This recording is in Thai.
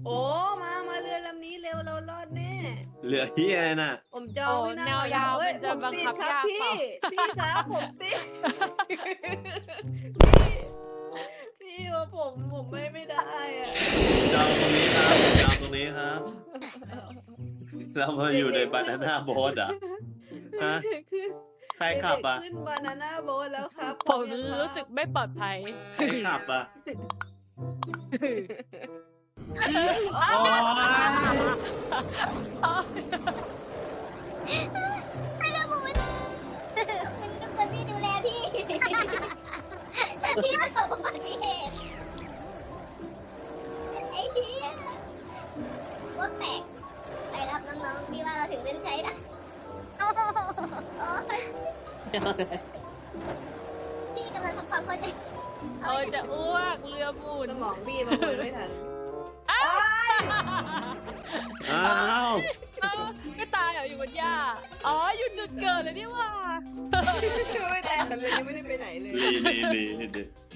โอ้มาเรือลำนี้เร็วเรารอดแน่เหลือเฮียน่ะผมจองไม่แนน่าวยาวเฮ้ยมันจะผมบังติดคับครับยากพี่เปล่าพี่ครับผมติดพี่ว่าผมไม่ได้อะจองตรงนี้ครับจองตรงนี้ครับ เรามาอยู่ในบานาน่าโบ๊ทอ่ะฮะขึ้นใครขับอ่ะเด็กๆขึ้นบานาน่าโบ๊ทแล้วครับผมรู้สึกไม่ปลอดภัยใครขับอ่ะโอ้ยให้ละมุนมันเป็นคนที่ดูแลพี่พี่ประสบอุบัติเหตุไอ้เหี้ยพวกแตกไปรับน้องๆพี่ว่าเราถึงเส้นชัยนะโอ้ยพี่กำลังทำความเข้าใจโอ้ยจะอ้วกเรือหมุนสมองพี่มันไม่ทันอ้าวเอ้าไม่ตายเหรออยู่บนหญ้าอ๋ออยู่จุดเกิดเลยนี่หว่าไม่ทันเลยยังไม่ได้ไปไหนเลยดี